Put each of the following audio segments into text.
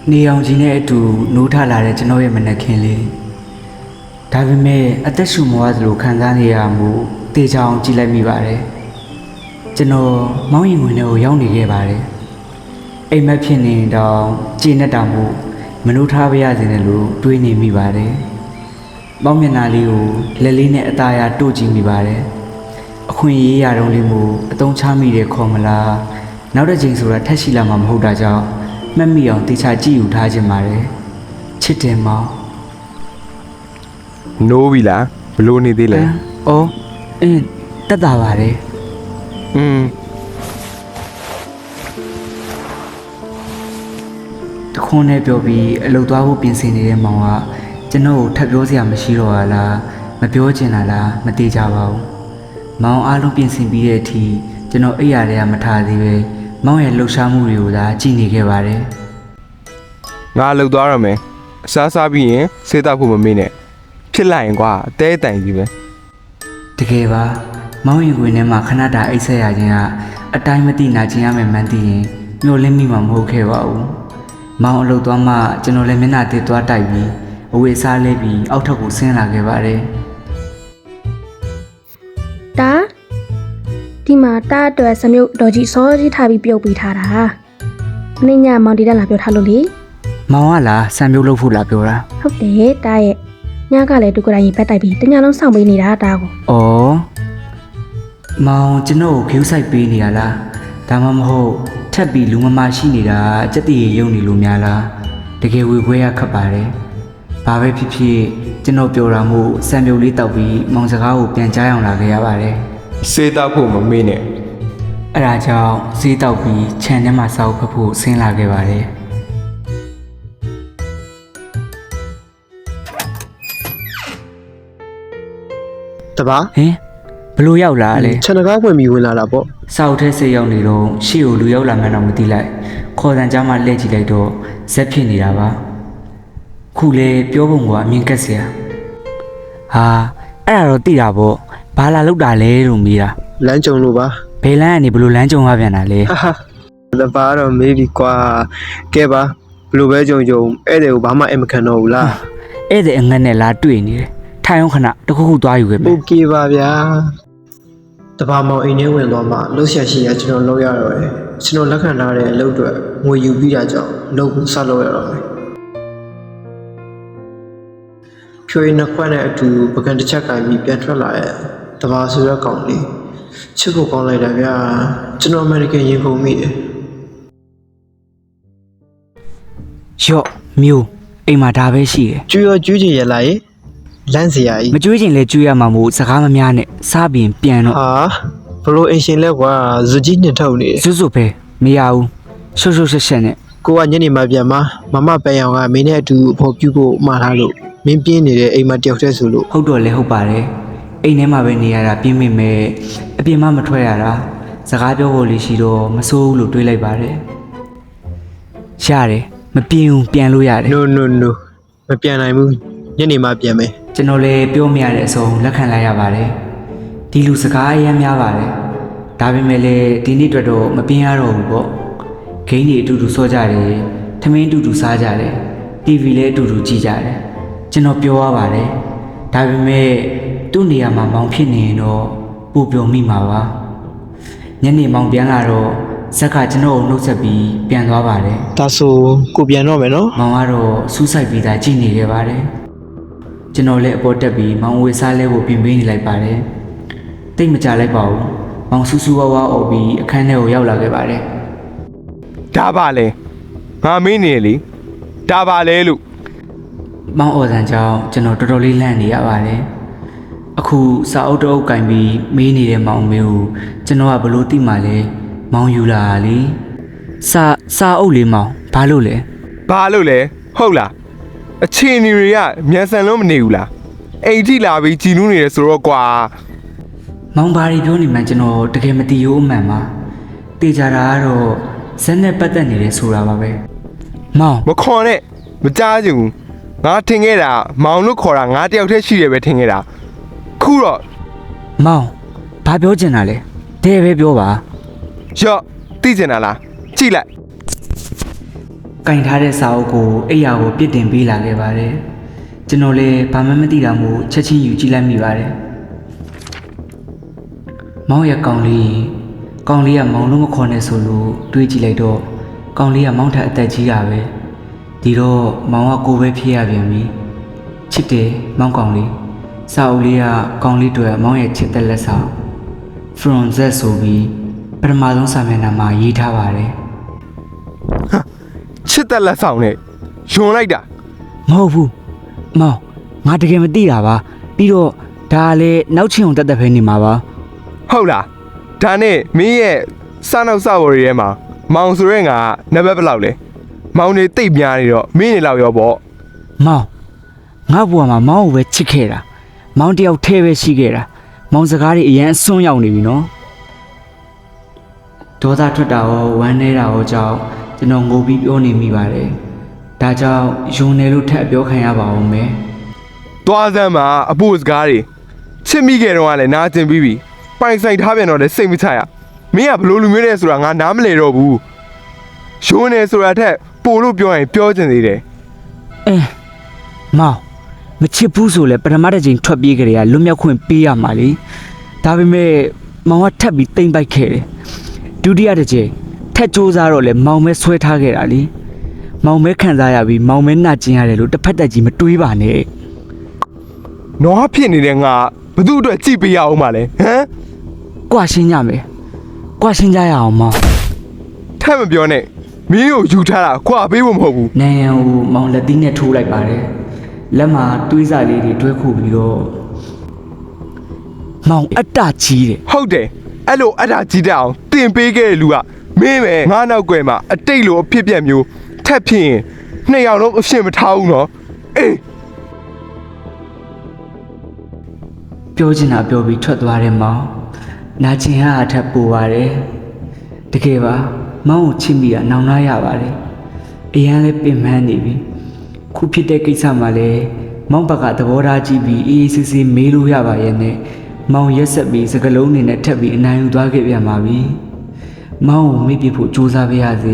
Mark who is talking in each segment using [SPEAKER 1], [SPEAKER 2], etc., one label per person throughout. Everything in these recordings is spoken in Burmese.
[SPEAKER 1] နေအောင်ကြီးနဲ့အတူနိုးထလာတဲ့ကျွန်တော်ရဲ့မနက်ခင်းလေးဒါပေမဲ့အသက်ရှူမဝသလိုခံစားနေရမှုတေချောင်ကြည့်လိုက်မိပါတယ်ကျွန်တော်မောင်းရင်ဝင်ထဲကိုရောက်နေခဲ့ပါတယ်အိမ်မက်ဖြစ်နေတော့ကြည်နဲ့တောင်မှုမနိုးထားပါရစေနဲ့လို့တွေးနေမိပါတယ်ပေါင်းမျက်နှာလေးကိုလက်လေးနဲ့အသားရတို့ကြည့်မိပါတယ်အခွင့်အရေးရတော့လေးမို့အတုံးချမိတဲ့ခေါ်မလားနောက်တစ်ချိန်ဆိုတာထက်ရှိလာမှာမဟုတ်တာကြောင့်မှတ်မိအောင်တေချာကြည့်ယူထားခြင်းပါတယ်ချစ်တယ်မောင်
[SPEAKER 2] နိုးပြီလားဘလို့နေသေးလဲ
[SPEAKER 1] အော်တက်တာပါတယ်တခွန်းနဲ့ပြောပြီးအလုပ်သွားဖို့ပြင်ဆင်နေတဲ့မောင်ကကျွန်တော်ကိုထပ်ပြောစရာမရှိတော့လားမပြောချင်လားမသိကြပါဘူးမောင်အားလုံးပြင်ဆင်ပြီးတဲ့အထိကျွန်တော်အိပ်ရာတွေကမထားသေးပဲမောင်ရဲ့လှုပ်ရှားမှုတွေကိုသာကြည့်နေခဲ့ပါတယ်
[SPEAKER 2] ငါလှုပ်သွားရမယ်အစားပြီးရင်စေးတောက်ဖို့မမေ့နဲ့ဖြစ်လိုက်ရင်ကွာအသေးအတန်ကြီးပဲ
[SPEAKER 1] တကယ်ပါမောင်ရင်ခွင်ထဲမှာခဏတာအိတ်ဆက်ရခြင်းကအတိုင်းမသိနာကျင်ရမယ်မှန်းသိရင်မျောလင်းမိမှာမဟုတ်ခဲ့ပါဘူးမောင်အလုပ်သွားမှကျွန်တော်လည်းမျက်နှာတစ်သွားတိုက်ပြီးအဝေးစားလဲပြီးအောက်ထပ်ကိုဆင်းလာခဲ့ပါတယ်
[SPEAKER 3] တာဒီမှာတာအတွက်စမြုပ်တော်ကြီးစောကြီးထားပြီးပြုတ်ပေးထားတာမင်းညမောင်တီတက်လာပြောထားလို့လေ
[SPEAKER 1] မောင်ကလားစံပြုတ်လုပ်ဖို့လာပြောတာ
[SPEAKER 3] ဟုတ်တယ်တာရဲ့ညကလည်းသူကိုယ်တိုင်ရင်ဖက်တိုက်ပြီးတညလုံးစောင့်ပေးနေတာတာကို
[SPEAKER 1] ဩမောင်ကျွန်တော်ကို view site ပေးနေရလားဒါမှမဟုတ်ထပ်ပြီးလူမမရှိနေတာစက်တည်ရုံနေလို့များလားတကယ်ဝေခွဲရခတ်ပါတယ်ဘာပဲဖြစ်ဖြစ်ကျွန်တော်ပြောတာမို့စံပြုတ်လေးတောက်ပြီးမောင်စကားကိုပြန်ကြားအောင်လာခဲ့ရပါတယ်
[SPEAKER 2] စေးတောက်ဖို့မမေ့နဲ့
[SPEAKER 1] အဲ့ဒါကြောင့်ဈေးတောက်ပြီးခြံထဲမှာစောက်ဖက်ဖို့ဆင်းလာခဲ့ပါတယ်
[SPEAKER 4] တပါ
[SPEAKER 1] ဟင်ဘလို့ရောက်လာလဲ
[SPEAKER 4] ခြံတကားဝင်ပြီးဝင်လာတာပေါ့
[SPEAKER 1] စောက်ထဲဆေးရောက်နေတော့ရှေ့ကိုလူရောက်လာမှန်းတော့မသိလိုက်ခေါ်တန်ကြားမှလှည့်ကြည့်လိုက်တော့ဇက်ဖြစ်နေတာပါခုလေပြောပုံကအမြင်ကက်เสียဟာအဲ့ဒါတော့သိတာပေါ့ဘာလာလောက်တာလဲလို့မေးတာ
[SPEAKER 4] လမ်းကြုံလို့ပါ
[SPEAKER 1] ဘယ်လမ်းကနေဘလို့လမ်းကြုံရပြန်တာလဲ
[SPEAKER 4] တပါတော့မေးပြီကွာကဲပါဘလို့ပဲကြုံဧည့်သည်ကိုဘာမှအမခံတော့ဘူးလား
[SPEAKER 1] ဧည့်သည်အငတ်နဲ့လာတွေ့နေတယ်ထိုင်အောင်ခဏတခုခုသွားယူခဲ့မယ်
[SPEAKER 4] โอเคပါဗျာတပါမောင်အိမ်ထဲဝင်သွားမှလှုပ်ရှားရှိရကျွန်တော်လောက်ရတော့တယ်ကျွန်တော်လက်ခံထားတဲ့အလုပ်တွေငွေယူပြီးတာကြောင့်လုပ်ဆက်လုပ်ရတော့မယ်ဖြိုးရင်နှစ်ခွက်နဲ့အတူပကံတစ်ချက်ကပြီးပြန်ထွက်လာရဲ့တပါဆိုရကောင်လေးချစ်ကိုကောင်းလိုက်တာဗျာကျွန်တော်အမေရိကန်ရင်ခုန်မိတယ်
[SPEAKER 1] ရော့မျိုးအိမ်မှာဒါပဲရှိတယ်
[SPEAKER 4] ကျွေးချင်ရလားရေလမ်းစရာကြီး
[SPEAKER 1] မကျွေးချင်လဲကျွေးရမှာမို့စကားမများနဲ့စားပြီးပြန်တော့
[SPEAKER 4] ဟာဘလို့အင်ရှင်လဲကွာဇူကြီးနှစ်ထုတ်နေ
[SPEAKER 1] စွတ်ပဲမရဘူးရှုပ်ရှက်နဲ့
[SPEAKER 4] ကိုကညနေမှပြန်မမပန်းအောင်ကမင်းနဲ့အတူအဖို့ပြုဖို့မှားထားလို့မင်းပြင်းနေတဲ့အိမ်မှာတယောက်တည်းဆိုလို့
[SPEAKER 1] ဟုတ်တော့လဲဟုတ်ပါတယ်အိမ်ထဲမှာပဲနေရတာပြင်းမိမဲ့အပြင်မှမထွက်ရတာစကားပြောဖို့လေးရှိတော့မစိုးဘူးလို့တွေးလိုက်ပါတယ်ရတယ်မပြင်းဘူးပြန်လို့ရတယ်
[SPEAKER 4] no မပြန်နိုင်ဘူးညနေမှပြန်မယ်
[SPEAKER 1] ကျွန်တော်လည်းပြောမရတဲ့အဆုံးလက်ခံလိုက်ရပါတယ်ဒီလူစကားအများများပါတယ်ဒါပေမဲ့လည်းဒီနေ့အတွက်တော့မပြင်းရတော့ဘူးပေါ့ဂိမ်းတွေအတူတူစောကြတယ်ထမင်းအတူတူစားကြတယ် TV လည်းအတူတူကြည့်ကြတယ်ကျွန်တော်ပြောရပါတယ်ဒါပေမဲ့သူ့နေရာမှာမောင်ဖြစ်နေရင်တော့ပူပျော်မိမှာပါညနေမောင်ပြန်လာတော့ဇက်ကကျွန်တော်ကိုနှုတ်ဆက်ပြီးပြန်သွားပါတယ်
[SPEAKER 4] ဒါဆိုကိုပြန်တော့မယ်နော်
[SPEAKER 1] မောင်ကတော့စူးစိုက်ပြီးသားကြည့်နေခဲ့ပါတယ်ကျွန်တော်လည်းအပေါ်တက်ပြီးမောင်ဝေစားလဲဖို့ပြင်ပေးနေလိုက်ပါတယ်တိတ်မကြလိုက်ပါဘူးမောင်စူးစူးဝါးဝါအော်ပြီးအခန်းထဲကိုရောက်လာခဲ့ပါတယ်
[SPEAKER 2] ဒါပါလေငါမင်းနေလေဒါပါလေလို့
[SPEAKER 1] မောင်အော်ဆန်ကြောင့်ကျွန်တော်တော်တော်လေးလန့်နေရပါတယ်အခုစာအုပ်တအုပ်ကင်ပြီးမေးနေတဲ့မောင်မေကိုကျွန်တော်ကဘလို့သိမှလဲမောင်ယူလာလေစာအုပ်လေးမောင်ဘာလို့လဲ
[SPEAKER 2] ဟုတ်လားအချင်းနေတွေကမြန်ဆန်လို့မနေဘူးလားအိမ်ထိလာပြီးကြည်နူးနေတယ်ဆိုတော့ကွာ
[SPEAKER 1] မောင်ဘာတွေပြောနေမှကျွန်တော်တကယ်မသိရိုးအမှန်ပါတေချာတာကတော့ဇက်နဲ့ပတ်သက်နေတယ်ဆိုတာပါပဲမောင်
[SPEAKER 2] မခွန်နဲ့မကြားချင်ဘူးငါထင်ခဲ့တာမောင်လို့ခေါ်တာငါတယောက်တည်းရှိတယ်ပဲထင်ခဲ့တာခုတော့
[SPEAKER 1] မောင်ဘာပြောချင်တာလဲတဲ့ပဲပြောပါ
[SPEAKER 2] ရော့သိချင်တာလားကြည့်လိုက်
[SPEAKER 1] ကင်ထားတဲ့စာအုပ်ကိုအိယာကိုပြစ်တင်ပေးလာခဲ့ပါတယ်ကျွန်တော်လည်းဘာမှမသိတာမို့ချက်ချင်းယူကြည့်လိုက်မိပါတယ်မောင်ရဲ့ကောင်လေးကမောင်လုံးမခေါ်နဲ့ဆိုလို့တွေးကြည့်လိုက်တော့ကောင်လေးကမောင်ထက်အသက်ကြီးတာပဲဒီတော့မောင်ကကိုပဲဖြစ်ရပြန်ပြီချစ်တယ်မောင်ကောင်လေးစာအုပ်လေးကကောင်လေးတွေမောင်ရဲ့ချစ်တဲ့လက်ဆောင် from Z ဆိုပြီးပထမဆုံးစာမျက်နှာမှာရေးထားပါတယ်
[SPEAKER 2] ချစ်တဲ့လက်ဆောင်နဲ့ယွန်လိုက်တာ
[SPEAKER 1] မဟုတ်ဘူးမောင်ငါတကယ်မသိတာပါပြီးတော့ဒါလည်းနောက်ချင်းအောင်တက်ပဲနေမှာပါ
[SPEAKER 2] ဟုတ်လားဒါနဲ့မင်းရဲ့စနောက်စဝရီထဲမှာမောင်ဆိုရဲငါနံပါတ်ဘယ်လောက်လဲမောင်နေတိတ်များနေတော့မင်းနေလောက်ရောပေါ့
[SPEAKER 1] မောင်ငါ့ဘဝမှာမောင်ကိုပဲချစ်ခဲ့တာမောင်တယောက်ထဲပဲရှိခဲ့တာမောင်စကားတွေအရင်အစွန်းရောက်နေပြီနော်ဒေါသထွက်တာရောဝမ်းနေတာရောကြောင့်ကျွန်တော်ငိုပြီးပြောနေမိပါတယ်ဒါကြောင့်ယုံနေလို့ထပ်ပြောခံရပါအောင်မယ်
[SPEAKER 2] သွားစမ်းမှာအဖို့စကားတွေချစ်မိခဲ့တော့ကလည်းနားကျင်ပြီးပြီပိုင်ဆိုင်ထားပြန်တော့လည်းစိတ်မချရမင်းကဘလို့လူမျိုးလဲဆိုတာငါနားမလဲတော့ဘူးယွန်နေဆိုတာထက်ပို့လို့ပြောရင်ပြောချင်သေးတယ်
[SPEAKER 1] မောင်မချစ်ဘူးဆိုလဲပထမတစ်ချိန်ထွက်ပြေးကြတယ်ကလွတ်မြောက်ခွင့်ပေးရမှာလေဒါပေမဲ့မောင်ကထပ်ပြီးတိမ့်ပိုက်ခဲ့တယ်ဒုတိယတစ်ချိန်ထက်စူးစားတော့လဲမောင်ပဲဆွဲထားခဲ့တာလေမောင်ပဲခံစားရပြီးမောင်ပဲနှာကျင်ရတယ်လို့တစ်ဖက်တက်ကြီးမတွေးပါနဲ့
[SPEAKER 2] နွားဖြစ်နေတဲ့ငါဘသူ့အတွက်ကြည့်ပေးရအောင်မလဲဟမ်
[SPEAKER 1] ကွာရှင်းကြမယ်ကွာရှင်းကြရအောင်မောင်
[SPEAKER 2] ထပ်မပြောနဲ့မင်းကိုယူထားတာခွာပေးဖို့မဟုတ်ဘူး
[SPEAKER 1] နန်ရန်ကိုမောင်လက်သီးနဲ့ထိုးလိုက်ပါတယ်လက်မှာတွေးစားလေးတွေတွဲခုပြီးတော့မောင်အတ္တကြီးတယ်
[SPEAKER 2] ဟုတ်တယ်အဲ့လိုအတားကြည့်တတ်အောင်တင်ပေးခဲ့တဲ့လူကမင်းပဲငါနောက်ကွယ်မှာအတိတ်လိုအဖြစ်ပြက်မျိုးထက်ဖြစ်ရင်နှစ်ယောက်လုံးအဖြစ်မထားဘူးနော်အေး
[SPEAKER 1] ပြောချင်တာပြောပြီးထွက်သွားတယ်မောင်နာကျင်ဟာအထက်ပူပါတယ်တကယ်ပါမောင်ကိုချစ်မိတာနောင်နာရပါတယ်အရန်လည်းပင်ပန်းနေပြီခုဖြစ်တဲ့ကိစ္စမှာလည်းမောင်ဘက်ကသဘောထားကြည့်ပြီးအေးအေးဆေးဆေးမေးလို့ရပါရဲ့နဲ့မောင်ရက်ဆက်ပြီးစကလုံးနေနဲ့ထပ်ပြီးအနိုင်ယူသွားခဲ့ပြန်ပါပြီမောင်ကိုမေ့ပြဖို့ကြိုးစားပေးရစေ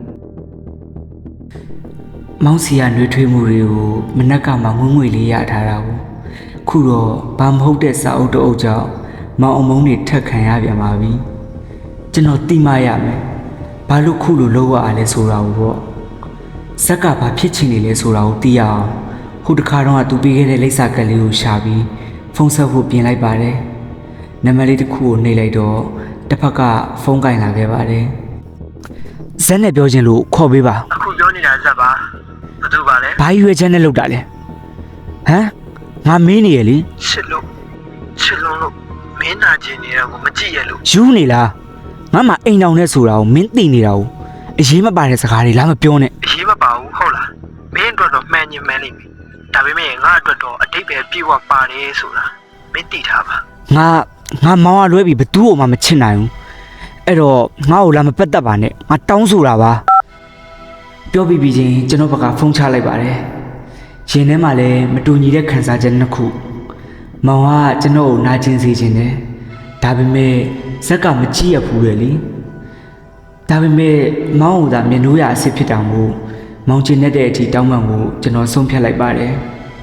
[SPEAKER 1] မောင်စီကနှွေးထွေးမှုတွေကိုမနက်ကမှငွေ့ငွေ့လေးရထားတာကိုခုတော့ဘာမဟုတ်တဲ့စာအုပ်တစ်အုပ်ကြောင့်မောင်အမုန်းတွေထက်ခံရပြန်ပါပြီကျွန်တော်တိမရမယ်ဘာလို့ခုလိုလုပ်ရအောင်လဲဆိုတာကိုပေါ့ဇက်ကဘာဖြစ်ချင်နေလဲဆိုတာကိုသိရအောင်ဟိုတခါတော့သူပေးခဲ့တဲ့လိပ်စာကလေးကိုရှာပြီးဖုန်းဆက်ဖို့ပြင်လိုက်ပါတယ်နံပါတ်လေးတစ်ခုကိုနှိပ်လိုက်တော့တစ်ဖက်ကဖုန်းကင်လာခဲ့ပါတယ်ဇက်နဲ့ပြောချင်လို့ခေါ်ပေးပါ
[SPEAKER 5] အခုပြောနေတာဇက်ပါဘာလို့ပါလဲ
[SPEAKER 1] ဘာရွေးချက်နဲ့လုပ်တာလဲဟမ်ငါမင်းနေရလေ
[SPEAKER 5] ချစ်လို့မင်းနာကျင်နေတာကိုမကြည့်ရလို့
[SPEAKER 1] ယူနေလားငါမှအိမ်တောင်နဲ့ဆိုတာကိုမင်းသိနေတာကိုအရေးမပါတဲ့စကားတွေလားမပြောနဲ့
[SPEAKER 5] အရေးမပါဘူးဟုတ်လားမင်းအတွက်တော့မှန်ရင်မှန်လိမ့်မယ်ဒါပေမဲ့ငါအတွက်တော့အတိတ်ပဲပြေဝပါတယ်ဆိုတာမင်းသိထားပါ
[SPEAKER 1] ငါမောင်ကလွဲပြီးဘသူ့ကိုမှမချစ်နိုင်ဘူးအဲ့တော့ငါ့ကိုလာမပတ်သက်ပါနဲ့ငါတောင်းဆိုတာပါပြောပြီးချင်းကျွန်တော်ဘက်ကဖုန်းချလိုက်ပါတယ်ရင်ထဲမှာလည်းမတူညီတဲ့ခံစားချက်နှစ်ခုမောင်ကကျွန်တော်ကိုနာကျင်စေခြင်းတယ်ဒါပေမဲ့ဇက်ကမကြည့်ရဘူးလေဒါပေမဲ့မောင်ကသာမျက်နှာရအစ်စ်ဖြစ်တာမို့မောင်ကျင်တဲ့အထိတောင်းပန်ကိုကျွန်တော်ဆုံးဖြတ်လိုက်ပါတယ်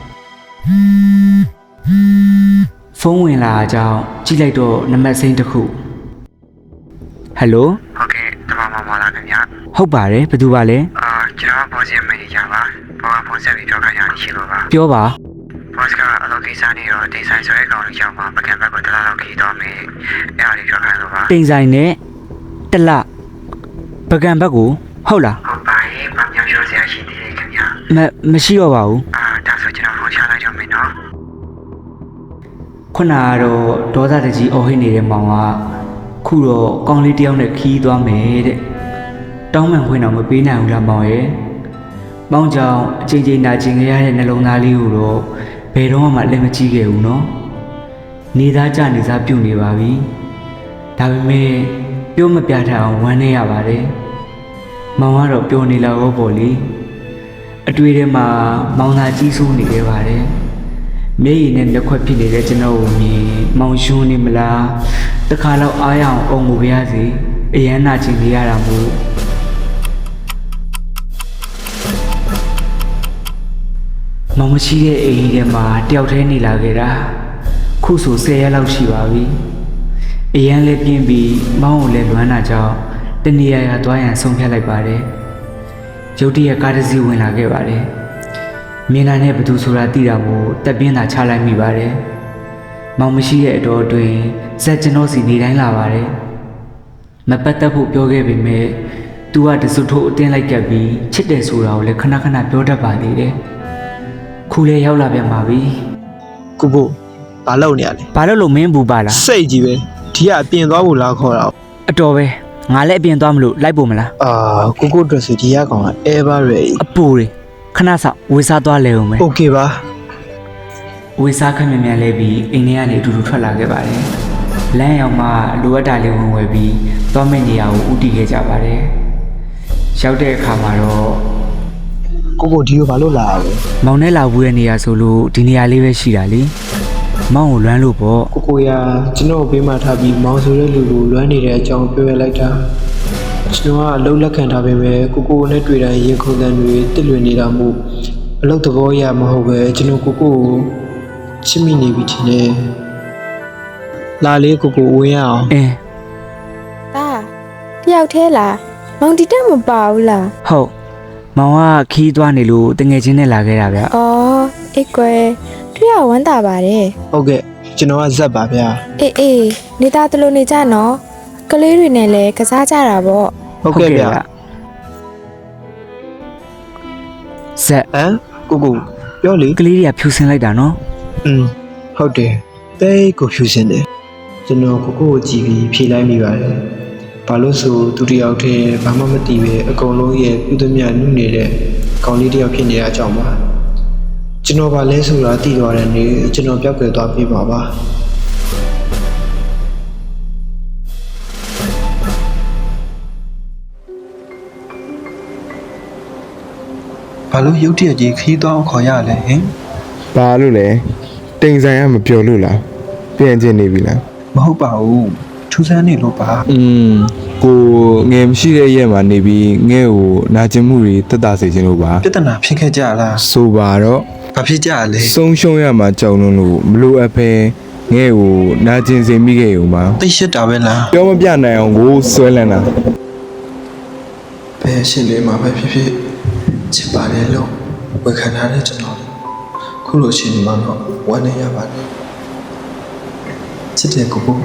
[SPEAKER 1] ဖုန်းဝင်လာကြောင်းကြည့်လိုက်တော့နံပါတ်စိမ်းတစ်ခုဟယ်လို
[SPEAKER 5] ဟုတ်ကဲ့တမမလာခင်ဗျာ
[SPEAKER 1] ဟုတ်ပါတယ်ဘယ်သူပါလဲ
[SPEAKER 5] ကျွန်တော်ဘောစင်မန်နေဂျာပါဘောကဖုန်းဆက်ပြီးပြောခိုင်းရရှိလို့ပါ
[SPEAKER 1] ပြောပါ
[SPEAKER 5] ဘောစကအလုပ်ကိစ္စနေတော့ဒေဆိုင်ဆွဲကောင်လေးရောက်မှာပကံဘက်ကိုတလားလောက်ခီးတော့မယ်အဲ့ဒါလေးပြောခိုင်းလို့ပါ
[SPEAKER 1] တိမ်ဆိုင်နဲ့တလပကံဘက်ကိုဟုတ်လား
[SPEAKER 5] ဟုတ်ပါရဲ့မမြောင်ရိုးစရာရှိသေးတယ်ခင်ဗျာ
[SPEAKER 1] မရှိတော့ပါဘူး
[SPEAKER 5] ဒါဆိုကျွန်တော်ဖုန်းချလိုက်တော့မယ်နော်
[SPEAKER 1] ခုနကတော့ဒေါသတကြီးအော်ဟစ်နေတဲ့မောင်ကခုတော့ကောင်းလေးတယောက်နဲ့ခီးသွားမယ်တဲ့တောင်းပန်ခွင့်တော့မပေးနိုင်ဘူးလားမောင်ရဲ့မောင်ကြောင့်အချိန်ချင်းနာကျင်ခဲ့ရတဲ့နှလုံးသားလေးကိုတော့ဘယ်တော့မှလက်မကြည့်ခဲ့ဘူးနော်နေသားကြနေသားပြုတ်နေပါပြီဒါပေမဲ့ပြောမပြထအောင်ဝမ်းနေရပါတယ်မောင်ကတော့ပြောနေလောက်တော့ပေါ့လေအတွေ့ထဲမှာမောင်သာကြီးစိုးနေခဲ့ပါတယ်မျက်ရည်နဲ့လက်ခွက်ဖြစ်နေတဲ့ကျွန်တော်ကိုမြင်မောင်ရှုံးနေမလားတခါတော့အားရအောင်အုံကိုပြရစီအရန်နာချင်နေရတာမို့မောင်မရှိတဲ့အိမ်ကြီးထဲမှာတယောက်တည်းနေလာခဲ့တာခုဆို10ရက်လောက်ရှိပါပြီအရန်လည်းပြင်းပြီးမောင်ကိုလည်းလွမ်းတာကြောင့်တနေရာရာသွားရန်ဆုံးဖြတ်လိုက်ပါတယ်ရုတ်တရက်ကားတစ်စီးဝင်လာခဲ့ပါတယ်မြင်လာတဲ့ဘသူဆိုတာသိတာမို့တက်ပြင်းသာချလိုက်မိပါတယ်မောင်မရှိတဲ့အတော်အတွင်းဇက်ကျွန်တော်စီနေတိုင်းလာပါတယ်မပတ်သက်ဖို့ပြောခဲ့ပေမဲ့သူကတစွတ်ထိုးအတင်းလိုက်ကပ်ပြီးချစ်တယ်ဆိုတာကိုလည်းခဏခဏပြောတတ်ပါသေးတယ်ခုလည်းရောက်လာပြန်ပါပြီ
[SPEAKER 4] ကိုကိုဘာလုပ်နေရလဲ
[SPEAKER 1] ဘာလို့လို့မင်းဘူးပါလား
[SPEAKER 4] စိတ်ကြီးပဲဒီကအပြင်သွားဖို့လားခေါ်တာ
[SPEAKER 1] အတော်ပဲငါလည်းအပြင်သွားမလို့လိုက်ဖို့မလား
[SPEAKER 4] အာကိုကိုအတွက်ဆိုဒီကကောင်က ever ready
[SPEAKER 1] အပူတွေခဏဆောင်ဝေစားသွားလဲအောင်မယ်
[SPEAKER 4] okay ပါ
[SPEAKER 1] ဝေစားခက်မြန်မြန်လဲပြီးအိမ်ထဲကနေအတူတူထွက်လာခဲ့ပါတယ်လမ်းရောက်မှလိုအပ်တာလေးဝင်ဝယ်ပြီးသွားမယ့်နေရာကိုဥတီခဲ့ကြပါတယ်ရောက်တဲ့အခါမှာတော့
[SPEAKER 4] ကိုကိုဒီကိုဘာလို့လာရလဲ
[SPEAKER 1] မောင်နဲ့လာဘူးရဲ့နေရာဆိုလို့ဒီနေရာလေးပဲရှိတာလေမောင်ကိုလွမ်းလို့ပေါ့
[SPEAKER 4] ကိုကိုရကျွန်တော်ဘေးမှာထားပြီးမောင်ဆိုတဲ့လူကိုလွမ်းနေတဲ့အကြောင်းပြောရလိုက်တာကျွန်တော်ကအလုပ်လက်ခံထားပေမဲ့ကိုကိုနဲ့တွေ့တိုင်းရင်ခုန်တဲ့တွေတစ်လွင်နေတာမို့အလုပ်သဘောရမဟုတ်ပဲကျွန်တော်ကိုကိုချစ်မိနေပြီထင်တယ်လာလေးကိုကိုဝင်ရအောင်
[SPEAKER 1] အင်း
[SPEAKER 6] တာတယောက်သေးလားမောင်တီတက်မပါဘူးလား
[SPEAKER 1] ဟုတ်မောင်ကခီးသွားနေလို့တငယ်ချင်းနဲ့လာခဲ့တာဗျ
[SPEAKER 6] အော်အေးကွယ်တွေ့ရဝမ်းသာပါတယ်
[SPEAKER 4] ဟုတ်ကဲ့ကျွန်တော်ကဇက်ပါဗျာ
[SPEAKER 6] အေးနေသားတလို့နေကြနော်ကလေးတွေနဲ့လည်းကစားကြတာပေါ့
[SPEAKER 4] ဟုတ်ကဲ့ဗျာ
[SPEAKER 1] ဇက်
[SPEAKER 4] ဟမ်ကိုကိုပြောလေ
[SPEAKER 1] ကလေးတွေကဖြူစင်လိုက်တာနော်
[SPEAKER 4] ဟုတ်တယ်တိတ်ကိုဖြူစင်တယ်ကျွန်တော်ကိုကိုကိုကြည့်ပြီးဖြေလိုက်မိပါတယ်ဘာလို့ဆိုသူတယောက်တည်းဘာမှမသိပဲအကုန်လုံးရဲ့ပြုသမျှနုနေတဲ့ကောင်လေးတယောက်ဖြစ်နေတဲ့အကြောင်းပါကျွန်တော်ဗာလဲဆိုတာသိသွားတဲ့နေ့ကျွန်တော်ပြောက်ကွယ်သွားပြပါပါဘာလို့ရုတ်တရက်ကြီးခီးသွားအောင်ခေါ်ရလဲဟင်
[SPEAKER 2] ဘာလို့လဲတိမ်ဆိုင်ကမပြောလို့လားပြန်ကျင်နေပြီလား
[SPEAKER 4] မဟုတ်ပါဘူးထူးဆန်းနေလို့ပါ
[SPEAKER 2] ကိုငယ်မရှိတဲ့ရက်မှာနေပြီးငဲ့ကိုနာကျင်မှုတွေတက်တာစေခြင်းလို့ပါ
[SPEAKER 4] ပြဿနာဖြစ်ခဲ့ကြလား
[SPEAKER 2] ဆိုပါတော့
[SPEAKER 4] ဘာဖြစ်ကြလဲ
[SPEAKER 2] ဆုံးရှုံးရမှာကြောက်လွန်းလို့မလိုအပ်ပဲငဲ့ကိုနာကျင်စေမိခဲ့ရုံပါ
[SPEAKER 4] သိရှစ်တာပဲလား
[SPEAKER 2] ပြောမပြနိုင်အောင်ကိုဆွဲလန်းတာ
[SPEAKER 4] ဘယ်ရှင်လေးမှာပဲဖြစ်ဖြစ်ချစ်ပါလေလို့ဝေခံထားတဲ့ကျွန်တော်ခုလိုရှင်ဒီမှာတော့ဝမ်းနေရပါတယ်ချစ်တဲ့ကိုကို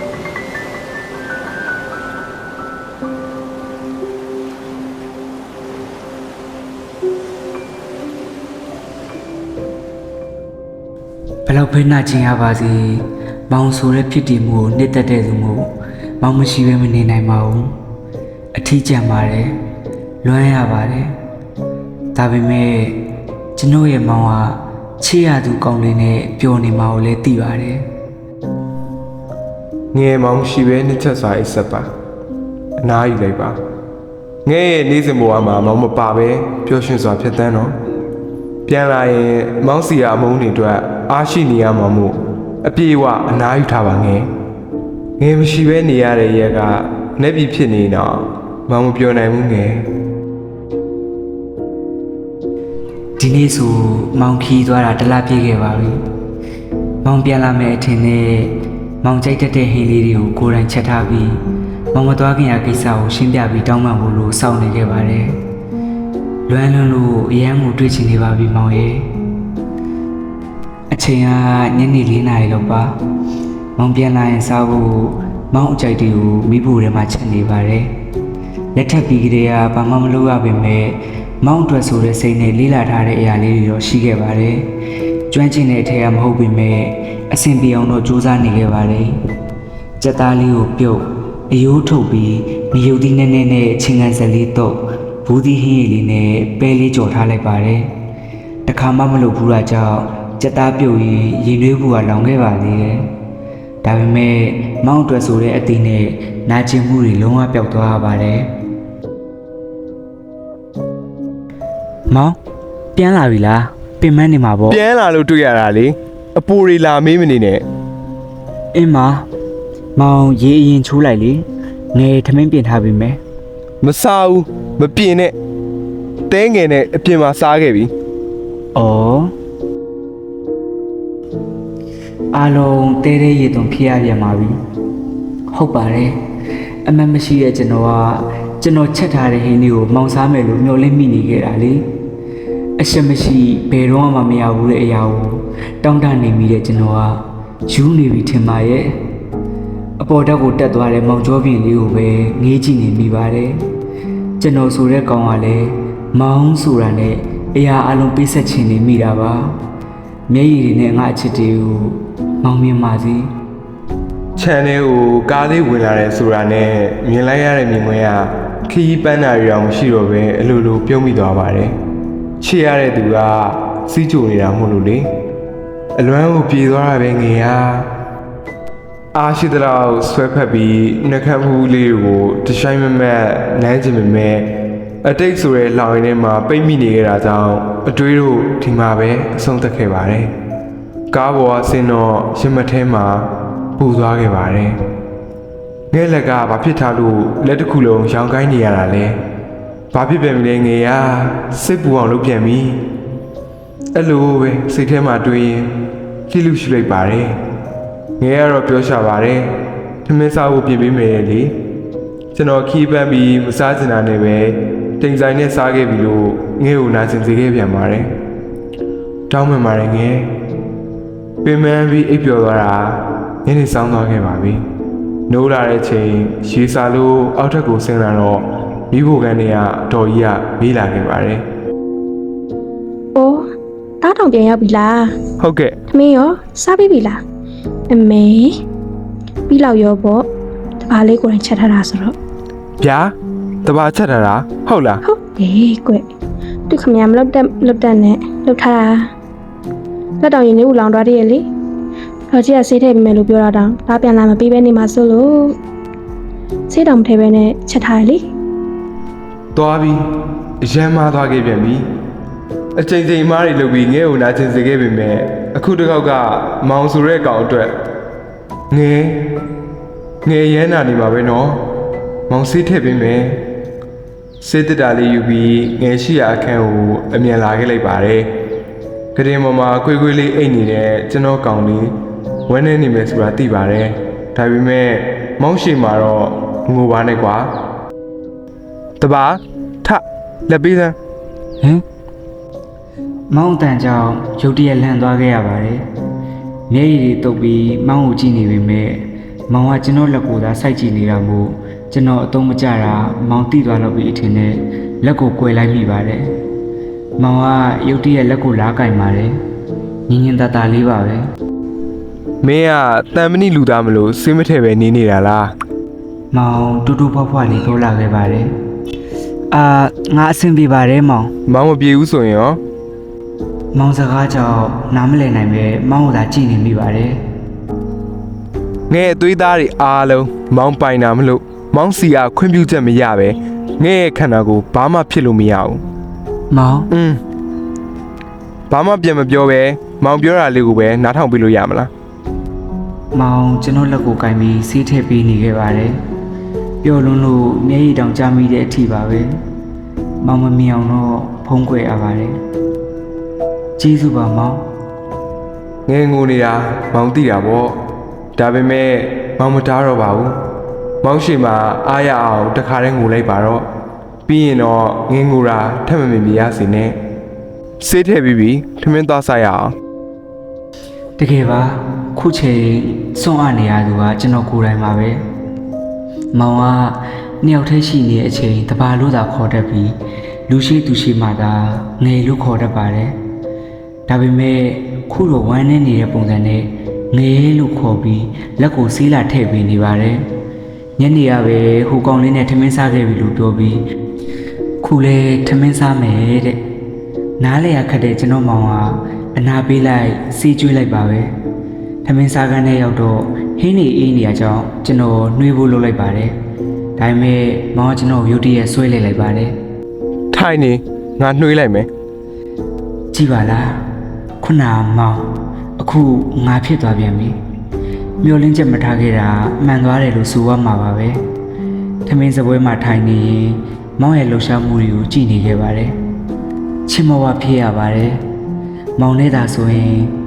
[SPEAKER 1] ဘယ်လောက်ပဲနှာကျင်ရပါစေမောင်ဆိုတဲ့ဖြစ်တည်မှုကိုနှစ်သက်တဲ့သူမို့မောင်မရှိဘဲမနေနိုင်ပါဘူးအထီးကျန်ပါတယ်လွမ်းရပါတယ်ဒါပေမဲ့ကျွန်တော်ရဲ့မောင်ကချစ်ရသူကောင်းလေးနဲ့ပျော်နေမှာကိုလည်းသိပါတယ်
[SPEAKER 2] ငယ်မောင်ရှိပဲနှစ်ချက်စွာအိပ်ဆက်ပါအနားယူလိုက်ပါငဲ့ရဲ့နေစဉ်ဘဝမှာမောင်မပါပဲပျော်ရွှင်စွာဖြစ်တန်းတော့ပြန်လာရင်မောင်စီယာအမုန်းတွေအတွက်အားရှိနေရမှာမို့အပြေအဝအနားယူထားပါငယ်မရှိပဲနေရတဲ့ရက်ကနှက်ပြီးဖြစ်နေတော့မောင်မပြောနိုင်ဘူးငယ်
[SPEAKER 1] ဒီနေ့ဆိုမောင်ခီးသွားတာတစ်လပြည့်ခဲ့ပါပြီမောင်ပြန်လာမယ်အထင်နဲ့မောင်ကြိုက်တတ်တဲ့ဟင်းလေးတွေကိုကိုယ်တိုင်ချက်ထားပြီးမောင်မသွားခင်ရကိစ္စကိုရှင်းပြပြီးတောင်းပန်ဖို့လို့စောင့်နေခဲ့ပါတယ်လွမ်းလွန်းလို့အရန်ကိုတွေ့ချင်နေပါပြီမောင်ရဲ့အချိန်ကညနေ4 နာရီလောက်ပါမောင်ပြန်လာရင်စားဖို့မောင်အကြိုက်တွေကိုမိဖို့ထဲမှာချက်နေပါတယ်လက်ထပ်ပြီးကလေးကဘာမှမလုပ်ရပါပဲမောင်အတွက်ဆိုတဲ့စိတ်နဲ့လေးလာထားတဲ့အရာလေးတွေတော့ရှိခဲ့ပါတယ်ကျွမ်းကျင်တဲ့အထက်ကမဟုတ်ပေမဲ့အဆင်ပြေအောင်တော့စူးစမ်းနေခဲ့ပါတယ်ကြက်သားလေးကိုပြုတ်အယိုးထုတ်ပြီးမယုတ်သီးနဲ့ချင်းကန်စလေးတော့ဘူးသီးဟင်းရည်လေးနဲ့ပဲလေးကြော်ထားလိုက်ပါတယ်တခါမှမလုပ်ဘူးတာကြောင့်ကြက်သားပြုတ်ရင်ရင်နှွေးဘူးကလောင်ခဲ့ပါသေးတယ်ဒါပေမဲ့မောင်အတွက်ဆိုတဲ့အသီးနဲ့နာကျင်မှုတွေလုံးဝပျောက်သွားပါတယ်မောင်ပြန်လာပြီလားပင်မနေမှာပေါ့
[SPEAKER 2] ပြန်လာလို့တွေ့ရတာလေအပူတွေလာမေးမနေနဲ့
[SPEAKER 1] အင်းမောင်ရေအရင်ချိုးလိုက်လေငယ်ထမင်းပြင်ထားပြီမယ်
[SPEAKER 2] မစားဘူးမပြင်းနဲ့တဲငယ်နဲ့အပြင်မှာစားခဲ့ပြီ
[SPEAKER 1] ဩအားလုံးတဲတဲရေသွန်ဖြစ်ရပြန်ပါပြီဟုတ်ပါတယ်အမှန်မရှိတဲ့ကျွန်တော်ချက်ထားတဲ့ဟင်းလေးကိုမောင်စားမယ်လို့မျှော်လင့်မိနေခဲ့တာလေအရှက်မရှိဘယ်တော့မှမရဘူးတဲ့အရာကိုတောင်းတနေမိတဲ့ကျွန်တော်ကယူနေပြီထင်ပါရဲ့အပေါ်တက်ကိုတက်သွားတဲ့မောင်ကျော်ပြင်လေးကိုပဲငေးကြည့်နေမိပါတယ်ကျွန်တော်ဆိုတဲ့ကောင်ကလည်းမောင်ဆိုတာနဲ့အရာအလုံးပေးဆက်ချင်နေမိတာပါမျက်ရည်တွေနဲ့ငါအချစ်တွေကိုမောင်မြင်ပါစေ
[SPEAKER 2] ခြံထဲကိုကားလေးဝင်လာတယ်ဆိုတာနဲ့မြင်လိုက်ရတဲ့မြင်ကွင်းကခရီးပန်းတာတွေတော့မရှိတော့ပဲအလိုလိုပြုံးမိသွားပါတယ်ချစ်ရတဲ့သူကစီးကြိုနေတာမဟုတ်လို့လေအလွမ်းကိုပြေသွားတာပဲငယ်အားရှိသလောက်ဆွဲဖက်ပြီးနှက်ခတ်မှုလေးကိုတရှိုင်းမမက်နမ်းချင်ပေမဲ့အတိတ်ဆိုတဲ့လောင်ရင်းထဲမှာပိတ်မိနေကြတာကြောင့်အတွေးတို့ဒီမှာပဲအဆုံးသတ်ခဲ့ပါတယ်ကားပေါ်ကဆင်းတော့ရင်မထဲမှာပူသွားခဲ့ပါတယ်ငဲ့လက်ကဘာဖြစ်ထားလို့လက်တစ်ခုလုံးရောင်ကိုင်းနေရတာလဲဘာဖြစ်ပြန်ပြီလဲငယ်ရစိတ်ပူအောင်လုပ်ပြန်ပြီအဲ့လိုပဲစိတ်ထဲမှာတွေးရင်ကြည့်လို့ရှိလိုက်ပါတယ်ငယ်ကတော့ပြောရှာပါတယ်ထမင်းစားဖို့ပြင်ပေးမယ်လေကျွန်တော်ခီးပန်းပြီးမစားချင်တာနဲ့ပဲတိမ်ဆိုင်နဲ့စားခဲ့ပြီလို့ငယ်ကိုနာကျင်စေခဲ့ပြန်ပါတယ်တောင်းမှန်ပါတယ်ငယ်ပင်မပြီးအိပ်ပျော်သွားတာညနေဆောင်သွားခဲ့ပါပြီနိုးလာတဲ့ချိန်ရေစာလို့အောက်ထပ်ကိုဆင်းလာတော့မိဖို့ကန်တွေကတော်ကြီးကမေးလာခဲ့ပါတယ်
[SPEAKER 3] ။အိုးတားတောင်ပြန်ရောက်ပြီလား
[SPEAKER 2] ဟုတ်ကဲ့
[SPEAKER 3] ။သမီးရောစားပြီးပြီလား။အမေပြီးလောက်ရောပေါ့။တပါးလေးကိုယ်တိုင်ချက်ထားတာဆိုတော့
[SPEAKER 2] ဗျာတဘာချက်ထားတာဟုတ်လား
[SPEAKER 3] ဟုတ်တယ်ကွ။သူခမရမလောက်တက်နဲ့လောက်ထားတာ။လက်တောင်ရင်လေးဦးလောင်သွားတည်းရဲ့လေ။တော့ကြီးကဆေးထည့်ပေးမယ်လို့ပြောတာတောင်ဒါပြန်လာမပြီးပဲနေမှာဆိုလို့ဆေးတောင်မထည့်ပဲနဲ့ချက်ထားရလေ
[SPEAKER 2] သွားပြီအရန်မားသွားခဲ့ပြန်ပြီအချိန်ချိန်မားတွေလုပ်ပြီးငဲ့ကိုနာကျင်စေခဲ့ပေမဲ့အခုတစ်ခေါက်ကမောင်ဆိုတဲ့ကောင်အတွက်ငဲရမ်းနာနေပါပဲနော်မောင်ဆေးထည့်ပေးမယ်ဆေးတက်တာလေးယူပြီးငဲရှိရာအခန်းကိုအမြန်လာခဲ့လိုက်ပါတယ်ကရင်ပေါ်မှာကွေးကွေးလေးအိတ်နေတဲ့ကျွန်တော်ကောင်လေးဝမ်းနေနေမယ်ဆိုတာသိပါတယ်ဒါပေမဲ့မောင်ရှိမှာတော့ငိုပါနဲ့ကွာတပါထလက်ပေးစမ်း
[SPEAKER 1] ဟင်မောင်တန်ကြောင့်ရုတ်တရက်လန့်သွားခဲ့ရပါတယ်မျက်ရည်တွေတုပ်ပြီးမောင်ကိုကြည့်နေပေမဲ့မောင်ကကျွန်တော်လက်ကိုသာစိုက်ကြည့်နေတာမို့ကျွန်တော်အသုံးမကျတာမောင်တိသွားလို့ပြီးအထင်နဲ့လက်ကိုကွယ်လိုက်မိပါတယ်မောင်ကရုတ်တရက်လက်ကိုလားကင်ပါတယ်ညင်ညင်တတလေးပါပဲ
[SPEAKER 2] မင်းကတန်မဏိလူသားမလို့စိတ်မထဲပဲနေနေတာလား
[SPEAKER 1] မောင်တူတူဖွားဖွားလေးပြောလာခဲ့ပါတယ်ငါအဆင်ပြေပါတယ်မောင်
[SPEAKER 2] မောင်မပြေဘူးဆိုရင်ရော
[SPEAKER 1] မောင်စကားကြောင့်နားမလည်နိုင်ပဲမောင်ကိုသာကြည့်နေမိပါတယ်
[SPEAKER 2] ငဲ့အသွေးသားတွေအားလုံးမောင်ပိုင်တာမလို့မောင်စီကခွင့်ပြုချက်မရပဲငဲ့ရဲ့ခန္ဓာကိုဘာမှဖြစ်လို့မရဘူး
[SPEAKER 1] မောင်
[SPEAKER 2] ဘာမှပြန်မပြောပဲမောင်ပြောတာလေးကိုပဲနားထောင်ပြလို့ရမလား
[SPEAKER 1] မောင်ကျွန်တော်လက်ကိုကင်ပြီးဆေးထည့်ပေးနေခဲ့ပါတယ်ပျော်လွန်းလို့မျက်ရည်တောင်ကျမိတဲ့အထိပါပဲမောင်မမြင်အောင်တော့ဖုံးကွယ်ရပါတယ်ကျေးဇူးပါမောင်
[SPEAKER 2] ငဲ့ငိုနေတာမောင်သိတာပေါ့ဒါပေမဲ့မောင်မတားတော့ပါဘူးမောင်ရှိမှာအားရအောင်တခါတည်းငိုလိုက်ပါတော့ပြီးရင်တော့ငင်းငိုတာထပ်မမြင်ပြရစီနဲ့ဆေးထည့်ပြီးပြီထမင်းသွားစားရအောင်
[SPEAKER 1] တကယ်ပါခုချိန်စွန့်အားနေရသူကကျွန်တော်ကိုယ်တိုင်ပါပဲမောင်ကနှစ်ယောက်တည်းရှိနေတဲ့အချိန်တပါလို့သာခေါ်တတ်ပြီးလူရှိသူရှိမှသာငယ်လို့ခေါ်တတ်ပါတယ်ဒါပေမဲ့ခုတော့ဝမ်းနေနေတဲ့ပုံစံနဲ့ငယ်လို့ခေါ်ပြီးလက်ကိုဆေးလာထည့်ပေးနေပါတယ်ညနေရပဲဟိုကောင်လေးနဲ့ထမင်းစားခဲ့ပြီလို့ပြောပြီးခုလဲထမင်းစားမယ်တဲ့နားလေရခက်တဲ့ကျွန်တော်မောင်ကအနာပေးလိုက်စီးကျွေးလိုက်ပါပဲထမင်းစားကန်းထဲရောက်တော့ဟင်းနေအေးနေရကြောင်းကျွန်တော်နှွေးဖို့လုပ်လိုက်ပါတယ်ဒါပေမဲ့မောင်ကကျွန်တော်ရုတ်တရက်ဆွဲလိုက်ပါတယ်
[SPEAKER 2] ထိုင်နေငါနှွေးလိုက်မယ်
[SPEAKER 1] ကြည့်ပါလားခုနမောင်အခုငါဖြစ်သွားပြန်ပြီမျောလင်းချက်မထားခဲ့တာမှန်သွားတယ်လို့ဆိုရမှာပါပဲထမင်းစပွဲမှာထိုင်နေရင်မောင်ရဲ့လှူရှားမှုတွေကိုကြည့်နေခဲ့ပါတယ်ချစ်မဝဖြစ်ရပါတယ်မောင်နဲ့သာဆိုရင်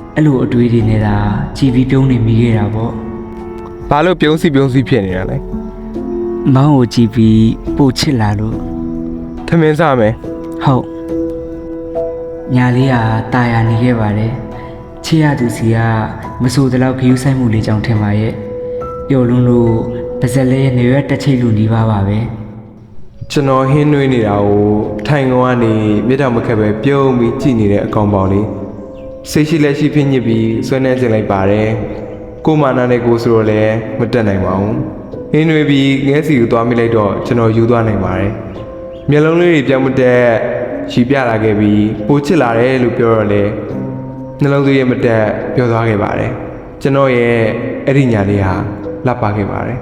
[SPEAKER 1] အဲ့လိုအတွေးတွေနဲ့သာကြည်ပြီးပြုံးနေမိခဲ့တာပေါ့
[SPEAKER 2] ဘာလို့ပြုံးစီဖြစ်နေတာလဲ
[SPEAKER 1] မောင်ကိုကြည်ပြီးပို့ချစ်လာလို့
[SPEAKER 2] ထမင်းစားမယ်
[SPEAKER 1] ဟုတ်ညာလေးကตายရနေခဲ့ပါတယ်ချစ်ရသူစီကမဆိုတလောက်ခယူးဆိုင်မှုလေးကြောင့်ထင်ပါရဲ့ပျော်လွန်းလို့ပါဇက်လေးရဲ့နေရွက်တစ်ချိတ်လူနီးပါပါပဲ
[SPEAKER 2] ကျွန်တော်ဟင်းနှွေးနေတာကိုထိုင်ကုန်ကနေမြစ်တော်မခက်ပဲပြုံးပြီးကြည်နေတဲ့အကောင်ပေါင်လေးစိတ်ရှိလက်ရှိဖြစ်ညစ်ပြီးဆွဲနှဲကျင်လိုက်ပါတယ်ကိုမာနာနဲ့ကိုဆိုတော့လည်းမတက်နိုင်ပါဘူးဟင်းနှွေးပြီးငဲစီကိုသွားမိလိုက်တော့ကျွန်တော်ယူသွားနိုင်ပါတယ်မျက်လုံးလေးတွေပြောင်းမတက်ရှည်ပြလာခဲ့ပြီးပိုချစ်လာတယ်လို့ပြောတော့လေနှလုံးသွေးရမတက်ပြောသွားခဲ့ပါတယ်ကျွန်တော်ရဲ့အဲ့ဒီညာလေးဟာလှပခဲ့ပါတယ်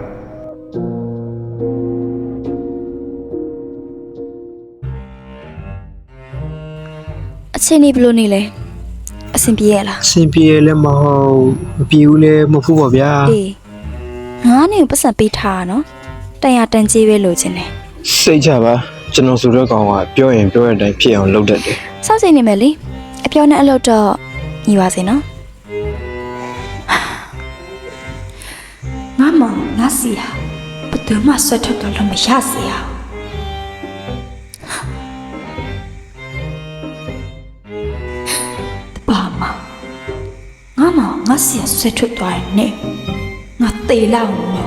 [SPEAKER 7] အချင်းနေဘလို့နေလဲအဆင်ပြေရလား
[SPEAKER 4] အဆင်ပြေလည်းမဟုတ်မပြေဘူးလည်းမဟုတ်ဘူးပေါ့ဗျာ
[SPEAKER 7] အေးငါနဲ့ပတ်စံပေးထားတာနော်တန်ရတန်ကြီးပဲလိုချင်တယ်
[SPEAKER 4] စိတ်ချပါကျွန်တော်ဆိုတော့ကောင်ကပြောရင်ပြောတဲ့အတိုင်းဖြစ်အောင်လုပ်တတ်တယ်
[SPEAKER 7] စောင့်စိတ်နေမယ်လေအပြောနဲ့အလုပ်တော့ညီပါစေနော်ငါမောင်ငါစီဟာဘယ်သူမှဆွတ်ထွက်တော့လို့မရစေရဘာမငါမောင်ငါစီဟာဆွတ်ထွက်သွားရင်နဲ့ငါတေးလောက်